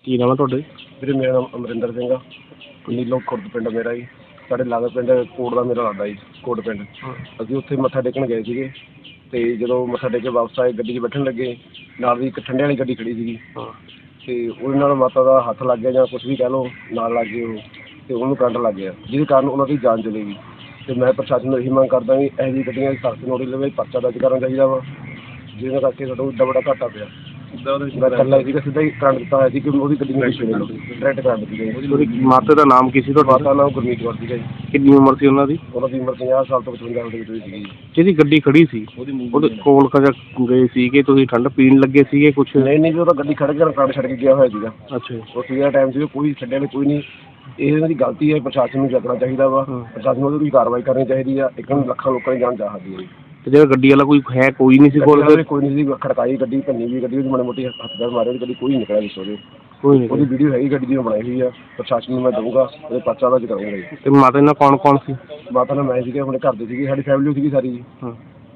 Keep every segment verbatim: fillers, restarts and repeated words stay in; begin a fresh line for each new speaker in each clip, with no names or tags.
ਕੀ ਨਾਮ ਹੈ ਤੁਹਾਡਾ ਜੀ?
ਵੀਰੇ ਮੇਰਾ ਨਾਮ ਅਮਰਿੰਦਰ ਸਿੰਘ ਆ। ਨੀਲੋਂ ਖੁਰਦ ਪਿੰਡ ਮੇਰਾ ਜੀ। ਸਾਡੇ ਲਾਗੇ ਪਿੰਡ ਕੋਟ ਦਾ ਮੇਰਾ ਲੱਗਦਾ ਜੀ, ਕੋਟ ਪਿੰਡ। ਅਸੀਂ ਉੱਥੇ ਮੱਥਾ ਟੇਕਣ ਗਏ ਸੀਗੇ ਅਤੇ ਜਦੋਂ ਮੱਥਾ ਟੇਕ ਕੇ ਵਾਪਸ ਆਏ ਗੱਡੀ 'ਚ ਬੈਠਣ ਲੱਗੇ, ਨਾਲ ਦੀ ਇੱਕ ਠੰਡੇ ਵਾਲੀ ਗੱਡੀ ਖੜੀ ਸੀਗੀ ਅਤੇ ਉਹਦੇ ਨਾਲ ਮਾਤਾ ਦਾ ਹੱਥ ਲੱਗ ਗਿਆ ਜਾਂ ਕੁਛ ਵੀ ਕਹਿ ਲਓ, ਨਾਲ ਲੱਗ ਗਏ ਉਹ ਅਤੇ ਉਹਨੂੰ ਕਰੰਟ ਲੱਗ ਗਿਆ, ਜਿਹਦੇ ਕਾਰਨ ਉਹਨਾਂ ਦੀ ਜਾਨ ਚਲੀ ਗਈ। ਅਤੇ ਮੈਂ ਪ੍ਰਸ਼ਾਸਨ ਨੂੰ ਇਹੀ ਮੰਗ ਕਰਦਾ ਵੀ ਇਹੋ ਜਿਹੀ ਗੱਡੀਆਂ ਦੀ ਸਖਤ ਨੋਟਿਸ ਲਵੇ, ਪਰਚਾ ਦਰਜ ਕਰਨਾ ਚਾਹੀਦਾ ਵਾ, ਜਿਹਦੇ ਕਰਕੇ ਸਾਡਾ ਇੱਡਾ ਵੱਡਾ ਘਾਟਾ ਪਿਆ। ਮੈਂ ਇਕੱਲਾ ਸੀਗਾ, ਸਿੱਧਾ ਹੀ ਕਰੰਟ ਦਿੱਤਾ ਹੋਇਆ ਸੀ ਕਿ ਉਹਦੀ ਗੱਡੀ ਨੂੰ ਡਾਇਰੈਕਟ ਕਰੰਟ ਦਿੱਤੀ ਗਈ।
ਉਹਦੀ ਮਾਤਾ ਦਾ ਨਾਮ ਕੀ ਸੀ ਤੁਹਾਡਾ?
ਮਾਤਾ ਦਾ ਨਾਮ ਗੁਰਮੀਤ ਕੌਰ ਸੀਗਾ ਜੀ।
ਕਿੰਨੀ ਉਮਰ ਸੀ ਉਹਨਾਂ ਦੀ?
ਉਹਨਾਂ ਦੀ ਉਮਰ ਪੰਜਾਹ ਸਾਲ ਤੋਂ ਪਚਵੰਜਾ ਸਾਲ ਦੇ ਵਿੱਚ ਸੀਗੀ ਜੀ।
ਜਿਹਦੀ ਗੱਡੀ ਖੜੀ ਸੀ ਉਹਦੇ ਕੋਲ ਕਜਾ ਗਏ ਸੀਗੇ ਤੁਸੀਂ, ਠੰਡ ਪੀਣ ਲੱਗੇ ਸੀਗੇ ਕੁਛ?
ਨਹੀਂ ਨਹੀਂ ਜੀ, ਉਹ ਤਾਂ ਗੱਡੀ ਖੜ੍ਹ ਕੇ ਕਰੰਟ ਛੱਡ ਕੇ ਗਿਆ ਹੋਇਆ ਸੀਗਾ।
ਅੱਛਾ।
ਉਹ ਸੀਗਾ ਟਾਈਮ ਸੀ, ਕੋਈ ਛੱਡਿਆ ਨਹੀਂ, ਕੋਈ ਨਹੀਂ। ਇਹ ਇਹਨਾਂ ਦੀ ਗਲਤੀ ਹੈ, ਪ੍ਰਸ਼ਾਸਨ ਨੂੰ ਚੱਕਣਾ ਚਾਹੀਦਾ ਵਾ, ਪ੍ਰਸ਼ਾਸਨ ਨੂੰ ਉਹਦੀ ਕੋਈ ਕਾਰਵਾਈ ਕਰਨੀ ਚਾਹੀਦੀ ਆ। ਇੱਕ ਨੂੰ ਲੱਖਾਂ ਲੋਕਾਂ ਦੀ ਜਾਨ ਜਾ ਸਕਦੀ ਹੈ ਜੀ।
ਤੇ ਜਿਹੜਾ ਗੱਡੀ ਵਾਲਾ ਕੋਈ ਹੈ ਕੋਈ ਨਹੀਂ ਸੀ ਕੋਲ?
ਕੋਈ ਨਹੀਂ ਸੀ, ਖੜਕਾਈ ਗੱਡੀ, ਭੰਨੀ ਵੀ ਗੱਡੀ, ਉਹਦੀ ਮਾੜੀ ਮੋਟੀ ਹੱਥ ਪੈਰ ਮਾਰੇ, ਉਹਦੀ ਗੱਡੀ ਕੋਈ ਨਹੀਂ ਨਿਕਲਿਆ ਵਿੱਚ ਉਹਦੇ।
ਕੋਈ ਨਹੀਂ,
ਉਹਦੀ ਵੀਡੀਓ ਹੈਗੀ ਗੱਡੀ ਦੀ, ਬਣਾਈ ਹੋਈ ਆ। ਪ੍ਰਸ਼ਾਸਨ ਨੂੰ ਮੈਂ ਦਊਂਗਾ, ਉਹਦੇ ਪਰਚਾ ਦਰਜ ਕਰਾਂਗਾ ਜੀ।
ਤੇ ਮਾਤਾ ਨਾਲ ਕੌਣ ਕੌਣ ਸੀ?
ਮਾਤਾ ਨਾਲ ਮੈਂ ਸੀਗੇ, ਆਪਣੇ ਘਰ ਦੇ ਸੀਗੇ, ਸਾਡੀ ਫੈਮਿਲੀ ਸੀਗੀ ਸਾਰੀ ਜੀ।
ਹਾਂ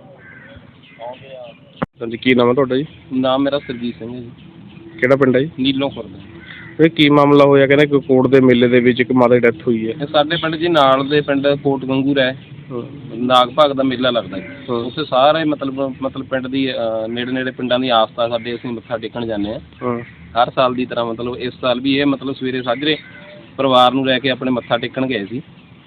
ਹਾਂਜੀ, ਕੀ ਨਾਮ ਹੈ ਤੁਹਾਡਾ ਜੀ?
ਨਾਮ ਮੇਰਾ ਸਰਜੀਤ ਸਿੰਘ ਹੈ ਜੀ।
ਕਿਹੜਾ ਪਿੰਡ ਹੈ ਜੀ?
ਨੀਲੋਂ ਖੁਰਦ।
ਇਹ ਕੀ ਮਾਮਲਾ ਹੋਇਆ? ਕਹਿੰਦੇ ਕੋਈ ਕੋਟ ਦੇ ਮੇਲੇ ਦੇ ਵਿੱਚ ਇੱਕ ਮਾਤਾ ਦੀ ਡੈਥ ਹੋਈ ਹੈ।
ਇਹ ਸਾਡੇ ਪਿੰਡ ਜੀ ਨਾਲ ਦੇ ਪਿੰਡ ਕੋਟ ਗੰਗੂਰ ਹੈ, ਨਾਗ ਭਾਗ ਦਾ ਮੇਲਾ ਲੱਗਦਾ ਜੀ। ਉੱਥੇ ਸਾਰੇ ਮਤਲਬ ਮਤਲਬ ਪਿੰਡ ਦੀ ਨੇੜੇ ਨੇੜੇ ਪਿੰਡਾਂ ਦੀ ਆਸਥਾ ਸਾਡੇ, ਅਸੀਂ ਮੱਥਾ ਟੇਕਣ ਜਾਂਦੇ ਹਾਂ ਹਰ ਸਾਲ ਦੀ ਤਰ੍ਹਾਂ। ਮਤਲਬ ਇਸ ਸਾਲ ਵੀ ਇਹ ਮਤਲਬ ਸਵੇਰੇ ਸਾਜਰੇ ਪਰਿਵਾਰ ਨੂੰ ਲੈ ਕੇ ਆਪਣੇ ਮੱਥਾ ਟੇਕਣ ਗਏ ਸੀ।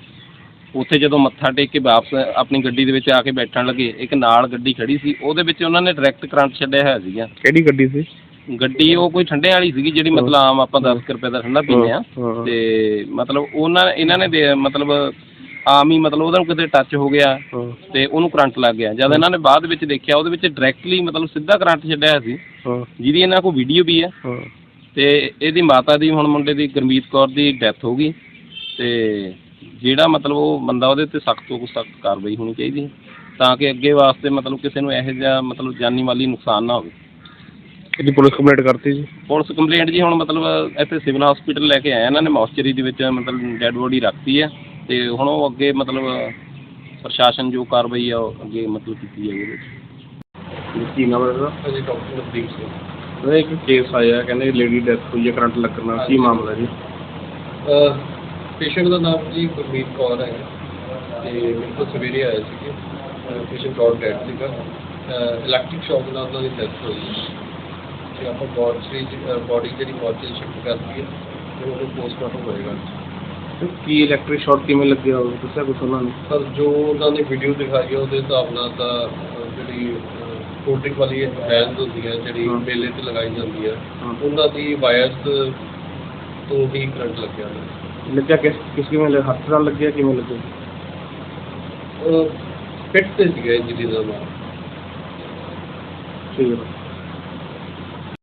ਉੱਥੇ ਜਦੋਂ ਮੱਥਾ ਟੇਕ ਕੇ ਵਾਪਸ ਆਪਣੀ ਗੱਡੀ ਦੇ ਵਿੱਚ ਆ ਕੇ ਬੈਠਣ ਲੱਗੇ, ਇੱਕ ਨਾਲ ਗੱਡੀ ਖੜੀ ਸੀ, ਉਹਦੇ ਵਿੱਚ ਉਹਨਾਂ ਨੇ ਡਾਇਰੈਕਟ ਕਰੰਟ ਛੱਡਿਆ ਹੋਇਆ ਸੀਗਾ।
ਕਿਹੜੀ ਗੱਡੀ ਸੀ?
ਗੱਡੀ ਉਹ ਕੋਈ ਠੰਡੇ ਵਾਲੀ ਸੀਗੀ, ਜਿਹੜੀ ਮਤਲਬ ਆਮ ਆਪਾਂ ਦਸ ਕੁ ਰੁਪਏ ਦਾ ਠੰਡਾ ਪੀਂਦੇ ਹਾਂ। ਤੇ ਮਤਲਬ ਉਹਨਾਂ ਇਹਨਾਂ ਨੇ ਦੇ ਮਤਲਬ ਆਮ ਹੀ ਮਤਲਬ ਉਹਦਾ ਕਿਤੇ ਟੱਚ ਹੋ ਗਿਆ ਤੇ ਉਹਨੂੰ ਕਰੰਟ ਲੱਗ ਗਿਆ। ਜਦ ਇਹਨਾਂ ਨੇ ਬਾਅਦ ਵਿੱਚ ਦੇਖਿਆ, ਉਹਦੇ ਵਿੱਚ ਡਾਇਰੈਕਟਲੀ ਮਤਲਬ ਸਿੱਧਾ ਕਰੰਟ ਛੱਡਿਆ ਸੀ, ਜਿਹਦੀ ਇਹਨਾਂ ਕੋਲ ਵੀਡੀਓ ਵੀ ਹੈ। ਤੇ ਇਹਦੀ ਮਾਤਾ ਦੀ, ਹੁਣ ਮੁੰਡੇ ਦੀ ਗੁਰਮੀਤ ਕੌਰ ਦੀ ਡੈਥ ਹੋ ਗਈ। ਤੇ ਜਿਹੜਾ ਮਤਲਬ ਉਹ ਬੰਦਾ, ਉਹਦੇ 'ਤੇ ਸਖਤ ਤੋਂ ਸਖਤ ਕਾਰਵਾਈ ਹੋਣੀ ਚਾਹੀਦੀ ਹੈ, ਤਾਂ ਕਿ ਅੱਗੇ ਵਾਸਤੇ ਮਤਲਬ ਕਿਸੇ ਨੂੰ ਇਹੋ ਜਿਹਾ ਮਤਲਬ ਜਾਨੀ ਮਾਲੀ ਨੁਕਸਾਨ ਨਾ ਹੋਵੇ।
ਇਹਦੀ ਪੁਲਿਸ ਕੰਪਲੇਂਟ ਕਰਤੀ ਜੀ? ਪੁਲਿਸ
ਕੰਪਲੇਂਟ ਜੀ ਹੁਣ ਮਤਲਬ ਇੱਥੇ ਸਿਵਲ ਹਸਪੀਟਲ ਲੈ ਕੇ ਆਏ ਇਹਨਾਂ ਨੇ, ਮੌਸਚਰੀ ਦੇ ਵਿੱਚ ਮਤਲਬ ਡੈਡ ਬੋਡੀ ਰੱਖਤੀ ਹੈ। ਤੇ ਹੁਣ ਉਹ ਅੱਗੇ ਮਤਲਬ ਪ੍ਰਸ਼ਾਸਨ ਜੋ ਕਾਰਵਾਈ ਆ ਉਹ ਅੱਗੇ ਮਤਲਬ ਕੀਤੀ ਜਾਏਗੀ ਉਹਦੇ ਵਿੱਚ।
ਕੀ ਨਾਮ ਹੈ ਇਹਦਾ?
ਹਾਂਜੀ, ਡਾਕਟਰ ਨਵਦੀਪ ਸਿੰਘ।
ਉਹਦਾ ਇੱਕ ਕੇਸ ਆਇਆ, ਕਹਿੰਦੇ ਲੇਡੀ ਡੈਥ ਹੋਈ ਹੈ ਕਰੰਟ ਲੱਗਣ ਨਾਲ, ਕੀ ਮਾਮਲਾ ਜੀ?
ਪੇਸ਼ੈਂਟ ਦਾ ਨਾਮ ਜੀ ਗੁਰਮੀਤ ਕੌਰ ਹੈ ਅਤੇ ਮੇਰੇ ਕੋਲ ਸਵੇਰੇ ਆਏ ਸੀਗੇ। ਪੇਸ਼ੈਂਟ ਕੌਰ ਡੈਡ ਸੀਗਾ, ਇਲੈਕਟ੍ਰਿਕ ਸ਼ੌਕ ਨਾਲ ਉਹਨਾਂ ਦੀ ਡੈਥ ਹੋਈ ਅਤੇ ਆਪਾਂ ਬੋਡੀ ਬੋਡੀ ਜਿਹੜੀ ਮੋਰਚੇ ਸ਼ਿਫਟ ਕਰਤੀ ਹੈ ਅਤੇ ਉਹਨੂੰ ਪੋਸਟਮਾਰਟਮ ਹੋਏਗਾ।
ਕੀ ਇਲੈਕਟ੍ਰਿਕ ਸ਼ਾਰਟ ਕਿਵੇਂ ਲੱਗਿਆ ਹੋਵੇ, ਦੱਸਿਆ ਕੁਛ ਉਹਨਾਂ ਨੇ?
ਸਰ ਜੋ ਉਹਨਾਂ ਨੇ ਵੀਡੀਓ ਦਿਖਾਈ ਹੈ ਉਹਦੇ ਹਿਸਾਬ ਨਾਲ ਤਾਂ ਜਿਹੜੀ ਕੋਲਡ ਡਰਿੰਕ ਵਾਲੀ ਵੈਨਸ ਹੁੰਦੀ ਹੈ, ਜਿਹੜੀ ਮੇਲੇ 'ਤੇ ਲਗਾਈ ਜਾਂਦੀ ਹੈ, ਉਹਨਾਂ ਦੀ ਵਾਇਰਸ ਤੋਂ ਹੀ ਕਰੰਟ ਲੱਗਿਆ ਹੋਇਆ।
ਲੱਗਿਆ ਕਿਸ ਕਿਸ ਕਿਵੇਂ, ਹੱਥ ਨਾਲ ਲੱਗਿਆ, ਕਿਵੇਂ ਲੱਗਿਆ?
ਫਿੱਟ 'ਤੇ ਸੀਗਾ ਇੰਜਰੀ ਦਾ ਨਾਮ।
ਠੀਕ ਹੈ।